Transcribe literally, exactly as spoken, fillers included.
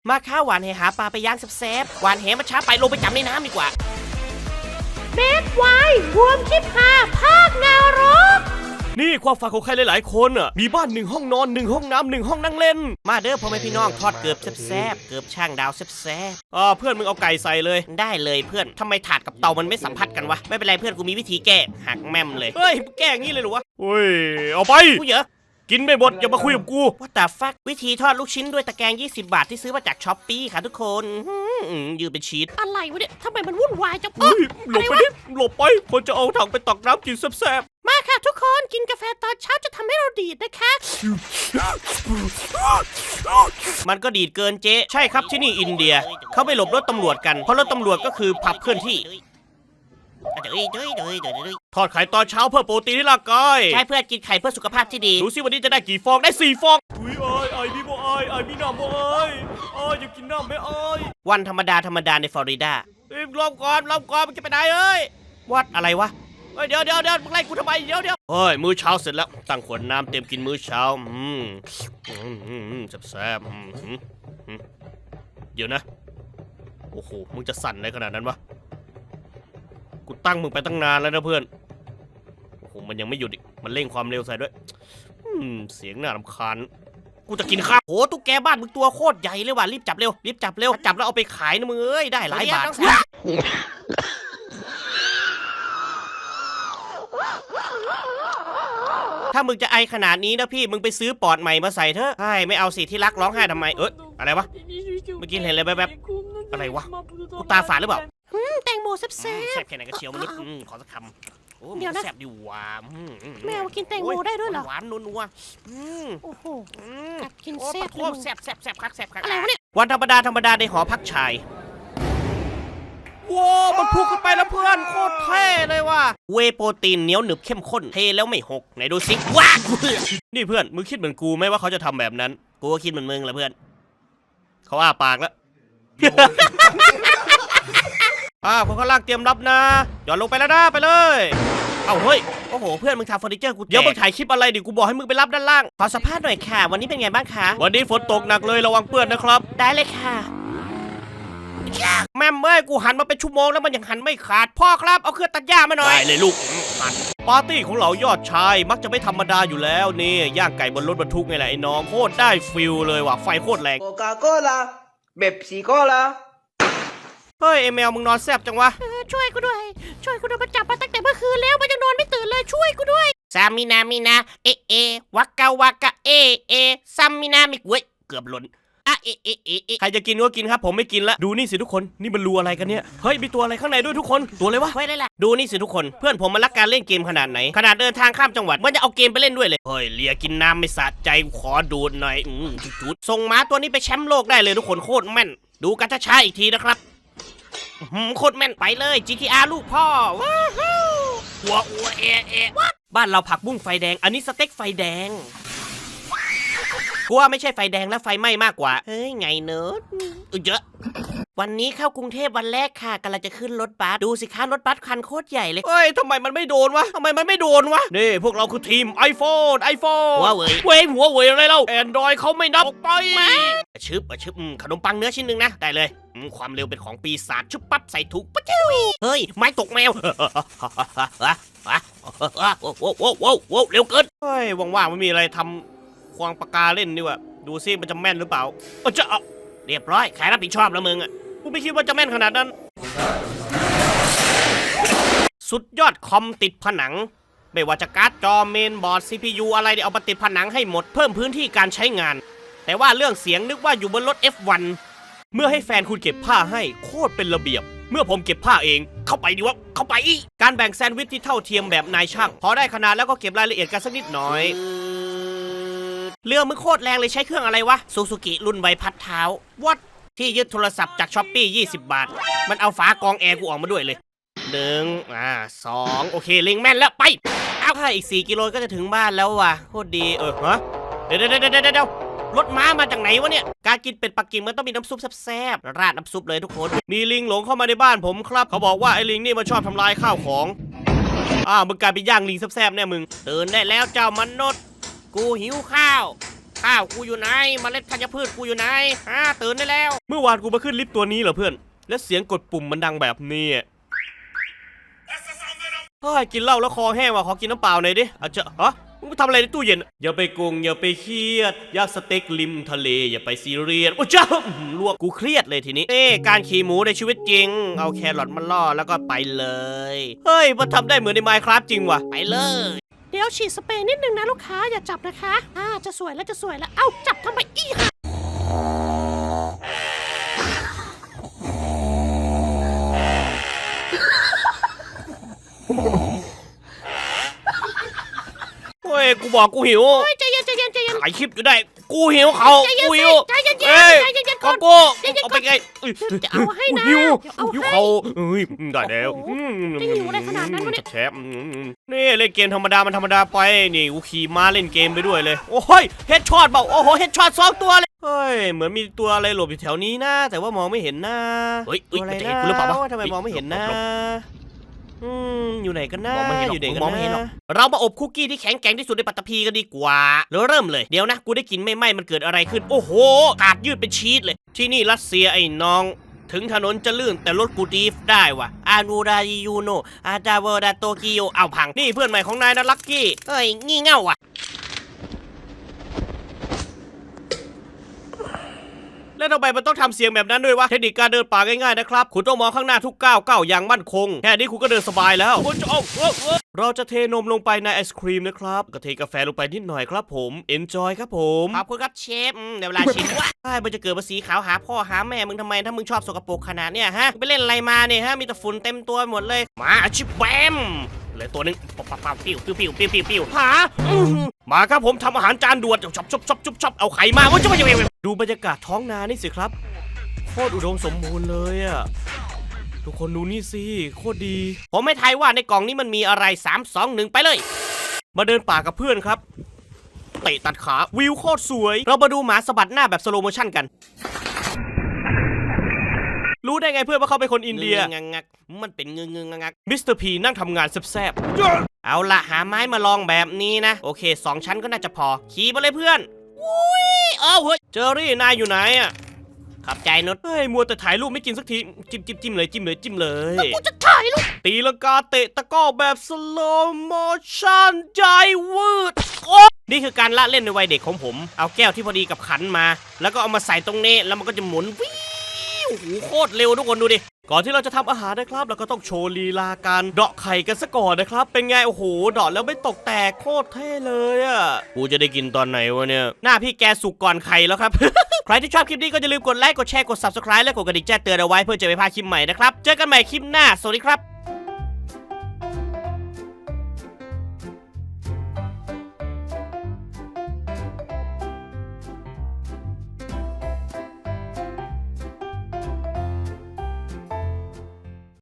มาข้าวหวานแหหาปลาไปย่างแซ่บๆหวานแหมันช้าไปลงไปจับในน้ำดีกว่าเบสไวรวมคลิปหาภาคนรกนี่ความฝันของใครหลายๆคนอ่ะมีบ้านหนึ่งห้องนอนหนึ่งห้องน้ำหนึ่งห้องนั่งเล่นมาเด้อพ่อแม่พี่น้องทอดเกือบแซ่บๆเกือบช่างดาวแซ่บๆอ๋อเพื่อนมึงเอาไก่ใส่เลยได้เลยเพื่อนทำไมถาดกับเตามันไม่สัมผัสกันวะไม่เป็นไรเพื่อนกูมีวิธีแก้หักแม่มเลยเฮ้ยแก้งี้เลยหรอวะเฮ้ยเอาไปกูเยอะกินไม่หมดอย่ามาคุยกับกูว่าแต่ฟักวิธีทอดลูกชิ้นด้วยตะแกรงยี่สิบบาทที่ซื้อมาจากช้อปปี้ค่ะทุกคนยืดเป็นชีสอะไรวะเนี่ยทำไมมันวุ่นวายจังเฮ้ยหลบไปดิหลบไปคนจะเอาถังไปตักน้ำกินแซ่บๆมาค่ะทุกคนกินกาแฟตอนเช้าจะทำให้เราดีดนะคะมันก็ดีดเกินเจ๊ใช่ครับที่นี่อินเดียเขาไปหลบรถตำรวจกันเพราะรถตำรวจก็คือผับเคลื่อนที่ทอดไข่ตอนเช้าเพื่อโปรตีนให้ร่างกายใช่เพื่อกินไข่เพื่อสุขภาพที่ดีดูสิวันนี้จะได้กี่ฟองได้สี่ฟองอุ้ยไอ้ไอ้พี่บอยไอ้พี่น้ำบอยไอ้อยากกินน้ำไหมไอ้วันธรรมดาธรรมดาในฟลอริดาเอ้ยรอบก่อนรอบก่อนมันจะไปไหนเอ้ยวัดอะไรวะเฮ้ยเดี๋ยวเดี๋ยวเดี๋ยวมึงไล่กูทำไมเดี๋ยวเดี๋ยวเฮ้ยมื้อเช้าเสร็จแล้วตั้งขวดน้ำเต็มกินมื้อเช้าอืมอืมแซ่บๆเดี๋ยวนะโอ้โหมึงจะสั่นอะไรขนาดนั้นวะกูตั้งมึงไปตั้งนานแล้วนะเพื่อนโอ้โหมันยังไม่หยุดอีกมันเร่งความเร็วใส่ด้วยอืมเสียงน่ารำคาญกูจะกินข้าวโอ้ตุ๊กแกบ้านมึงตัวโคตรใหญ่เลยว่ะรีบจับเร็วรีบจับเร็วจับแล้วเอาไปขายนะมึงเอ้ยได้หลายบาทถ้ามึงจะไอขนาดนี้นะพี่มึงไปซื้อปอดใหม่มาใส่เถอะใช่ไม่เอาสิที่รักร้องไห้ทำไมเอ้ยอะไรวะเมื่อกี้เห็นอะไรแบบๆอะไรวะกูตาฝาดหรือเปล่าแตงโมแซ่บแซ่บแค่ไหนก็เชียวมนุษย์ขอสักคำโอ้เดี๋ยวนะแซ่บดีหวานแมวกินแตงโมได้ด้วยเหรอหวานนัวโอ้โหกัดกินแซ่บโคตรแซ่บแซ่บแซ่บคักแซ่บคักอะไรวะเนี่ยวันธรรมดาธรรมดาในหอพักชายว้าวมันพุ่งขึ้นไปแล้วเพื่อนโคตรเท่เลยว่ะเวโปรตีนเหนียวหนึบเข้มข้นเทแล้วไม่หกไหนดูสิว้านี่เพื่อนมึงคิดเหมือนกูไหมว่าเขาจะทำแบบนั้นกูก็คิดเหมือนมึงแหละเพื่อนเขาอ้าปากแล้วอ่าคนข้างล่างเตรียมรับนะหย่อนลงไปแล้วนะไปเลยเอ้าเฮ้ยโอ้โหเพื่อนมึงทำเฟอร์นิเจอร์กูเดี๋ยวมึงถ่ายคลิปอะไรดิกูบอกให้มึงไปรับด้านล่างขอสัมภาษณ์หน่อยค่ะวันนี้เป็นไงบ้างคะวันนี้ฝนตกหนักเลยระวังเปื้อนนะครับได้เลยค่ะแม่เมื่อกูหันมาเป็นชั่วโมงแล้วมันยังหันไม่ขาดพ่อครับเอาเครื่องตัดหญ้ามาหน่อยได้เลยลูกปาร์ตี้ของเรายอดชายมักจะไม่ธรรมดาอยู่แล้วนี่ย่างไก่บนรถบรรทุกไงแหละไอ้น้องโคตรได้ฟิลเลยว่ะไฟโคตรแรงโคคาโคล่าเบปซี่โคล่าเฮ้ยเอเมลมึงนอนแซบจังวะช่วยกูด้วยช่วยกูด้วยมันจับมาตั้งแต่เมื่อคืนแล้วมันยังนอนไม่ตื่นเลยช่วยกูด้วยซามินามินาเอเอวักกาวากะเอเอซัมมินามิกเว้ยเกือบหล่นอ่ะเอเอเอเอใครจะกินก็กินครับผมไม่กินละดูนี่สิทุกคนนี่มันรูอะไรกันเนี่ยเฮ้ยมีตัวอะไรข้างในด้วยทุกคนตัวอะไรวะเฮ้ยอะไรล่ะดูนี่สิทุกคนเพื่อนผมมันรักการเล่นเกมขนาดไหนขนาดเดินทางข้ามจังหวัดมันจะเอาเกมไปเล่นด้วยเลยเฮ้ยเลียกินน้ำไม่สะใจขอดูดหน่อยอืมจุดๆส่งม้าตัวนี้ไปแชมป์โลกได้เลยทุกคนโคตรแม่นดูกันช้าๆอีกทีนะครับโคตรแม่นไปเลย จี ที อาร์ ลูกพ่อว้าวหัวอัวเอเอบ้านเราผักบุ้งไฟแดงอันนี้สเต็กไฟแดงกูว่าไม่ใช่ไฟแดงและไฟไหม้มากกว่าเฮ้ยไงเนิร์ดเยอะวันนี้เข้ากรุงเทพวันแรกค่ะกำลังจะขึ้นรถบัสดูสิคะรถบัสคันโคตรใหญ่เลยเฮ้ยทำไมมันไม่โดนวะทำไมมันไม่โดนวะนี่พวกเราคือทีม iPhone iPhone หัวเว่ยเว้ยหัวเว่ยอะไรเล่า Android เขาไม่นับออกไปชึบชึบขนมปังเนื้อชิ้นหนึ่งนะได้เลยความเร็วเป็นของปีศาจชุบปั๊บใส่ถุงปั๊บเฮ้ยไม้ตกแมวโอ้โหโอ้โหโอ้โหเร็วเกินเฮ้ยว่างๆไม่มีอะไรทำควงปากกาเล่นดีกว่าดูซิมันจะแม่นหรือเปล่าเออจะเอาเรียบร้อยใครรับผิดชอบแล้วมึงอ่ะกูไม่คิดว่าจะแม่นขนาดนั้นสุดยอดคอมติดผนังไม่ว่าจะการ์ดจอเมนบอร์ด ซี พี ยู อะไรเดี๋ยวเอามาติดผนังให้หมดเพิ่มพื้นที่การใช้งานแต่ว่าเรื่องเสียงนึกว่าอยู่บนรถ เอฟ วัน เมื่อให้แฟนคุณเก็บผ้าให้โคตรเป็นระเบียบเมื่อผมเก็บผ้าเองเข้าไปดิวะเข้าไปการแบ่งแซนด์วิชที่เท่าเทียมแบบนายช่างพอได้ขนาดแล้วก็เก็บรายละเอียดกันสักนิดหน่อยเรือมึงโคตรแรงเลยใช้เครื่องอะไรวะซูซูกิรุ่นใบพัดเท้าวัดที่ยึดโทรศัพท์จากช้อปปี้ยี่สิบบาทมันเอาฝากองแอร์กูออกมาด้วยเลยหนึ่งอ่าสองโอเคเล็งแม่นแล้วไปเอาถ้าอีกสี่กิโลก็จะถึงบ้านแล้วว่ะโคตรดีเออฮะเดี๋ยวเดี๋ยวเดี๋ยวเดี๋ยวรถม้ามาจากไหนวะเนี่ยการกินเป็ดปักกิ่งมันต้องมีน้ำซุปแซ่บๆราดน้ำซุปเลยทุกคนมีลิงหลงเข้ามาในบ้านผมครับเขาบอกว่าไอ้ลิงนี่มันชอบทำลายข้าวของอ้าวมึงกลายเป็นย่างลิงแซ่บๆเนี่ยมึงตื่นได้แล้วเจ้ามนุษย์กูหิวข้าวข้าวกูอยู่ไหนเมล็ดธัญพืชกูอยู่ไหนฮะตื่นได้แล้วเมื่อวานกูมาขึ้นลิฟต์ตัวนี้เหรอเพื่อนและเสียงกดปุ่มมันดังแบบนี้เฮ้ยกินเหล้าแล้วคอแห้งว่ะขอกินน้ำเปล่าหน่อยดิอาจจะฮะมึงไปทำอะไรในตู้เย็นอย่าไปกงอย่าไปเครียดย่างสเต็กริมทะเลอย่าไปซีเรียสโอ้เจ้าลวกกูเครียดเลยทีนี้เอ้การขี่หมูในชีวิตจริงเอาแครอทมาล่อแล้วก็ไปเลยเฮ้ยมันทำได้เหมือนใน Minecraft จริงว่ะไปเลยเดี๋ยวฉีดสเปรย์นิดนึงนะลูกค้าอย่าจับนะคะอ่าจะสวยแล้วจะสวยแล้วเอ้าจับทำไมอีกค่ะเฮ้ยกูบอกกูหิวเฮ้ยใจเย็นใจเย็นใจเย็นถ่ายคลิปอยู่ได้กูหิวเขาใจเย็นกูสิหิวใจเย็นๆเอ้ยใจเย็นๆขอก่อนกูใจเย็นๆเอาไปไงจะเอาให้นะหิวเดี๋ยวเอาหิวให้เขาเอ้ยได้แล้วโอ้โหจะหิวอะไรขนาดนั้นวะเนี่ยแชมนี่เล่นเกมธรรมดามันธรรมดาไปนี่กูขี่ม้าเล่นเกมไปด้วยเลยโอ้ยเฮดช็อตเปล่าโอ้โหเฮดช็อตสองตัวเลยเฮ้ยเหมือนมีตัวอะไรหลบอยู่แถวนี้นะแต่ว่ามองไม่เห็นนะเฮ้ยอะไรนะกูหรือเปล่าวะทำไมมองไม่เห็นนะอืมอยู่ไหนกันนะอยู่ไหนกันนะเรามาอบคุกกี้ที่แข็งแกร่งที่สุดในปัตตภีกันดีกว่าแล้วเริ่มเลยเดี๋ยวนะกูได้กินไม่ไหม้มันเกิดอะไรขึ้นโอ้โหกาดยืดเป็นชีสเลยที่นี่รัสเซียไอ้น้องถึงถนนจะลื่นแต่รถกูดีฟได้ว่ะอานูรายูโนอาดาวดาโตกิโอเอาพังนี่เพื่อนใหม่ของนายนะลักกี้เฮ้ยงี่เง่าว่ะแล้วทำไมมันต้องทำเสียงแบบนั้นด้วยวะเทคนิคการเดินป่าง่ายๆนะครับคุณต้องมองข้างหน้าทุกก้าวก้าวอย่างมั่นคงแค่นี้คุณก็เดินสบายแล้วเราจะเทนมลงไปในไอศครีมนะครับก็เทกาแฟลงไปนิดหน่อยครับผม enjoy ครับผมขอบคุณครับเชฟเดี๋ยวเวลาชิมวะใช่มันจะเกิดภาษีขาวหาพ่อหาแม่มึงทำไมถ้ามึงชอบสกปรกขนาดเนี้ยฮะไปเล่นอะไรมาเนี่ยฮะมีแต่ฝุ่นเต็มตัวหมดเลยมาชิบแบมเลยตัวนึงปับปับปับปิ้วปิ้วปิ้วปิ้วปิ้วปิ้วหามาครับผมทำอาหารจานด่วนชอบชอบชอบชอบชอบเอาไข่มาว่าจะมาจะไปดูบรรยากาศท้องนานี่สิครับโคตรอุดมสมบูรณ์เลยอะทุกคนดูนี่สิโคตรดีผมไม่ทายว่าในกล่องนี้มันมีอะไรสาม สอง หนึ่งไปเลยมาเดินป่ากับเพื่อนครับเตะตัดขาวิวโคตรสวยเรามาดูหมาสะบัดหน้าแบบสโลโมชั่นกันรู้ได้ไงเพื่อนว่าเขาเป็นคนอินเดียงักงักมันเป็นเงงเงงงักมิสเตอร์พีนั่งทำงานแซ่บๆเอาละหาไม้มาลองแบบนี้นะโอเคสองชั้นก็น่าจะพอขี่มาเลยเพื่อนอุ้ยเอ้าเฮ้ยเจอรี่นายอยู่ไหนอะขับใจนุชเฮ้ยมัวแต่ถ่ายรูปไม่กินสักทีจิ้มจิ้มจิ้มเลยจิ้มเลยจิ้มเลยแล้วกูจะถ่ายรูปตีลังกาเตะตะก้อแบบสโลโมชั่นใจวืดโอ้นี่คือการละเล่นในวัยเด็กของผมเอาแก้วที่พอดีกับขันมาแล้วก็เอามาใส่ตรงนี้แล้วมันก็จะหมุนวิวโอ้โหโคตรเร็วทุกคนดูดิก่อนที่เราจะทำอาหารนะครับเราก็ต้องโชว์ลีลาการเดาะไข่กันซะก่อนนะครับเป็นไงโอ้โหเดาะแล้วไม่ตกแตกโคตรเท่เลยอ่ะกูจะได้กินตอนไหนวะเนี่ยหน้าพี่แกสุกก่อนไข่แล้วครับ ใครที่ชอบคลิปนี้ก็อย่าลืมกดไลค์กดแชร์กด ซับสไครบ์ และกดกระดิ่งแจ้งเตือนเอาไว้เพื่อจะไม่พลาดคลิปใหม่นะครับเจอกันใหม่คลิปหน้าสวัสดีครับ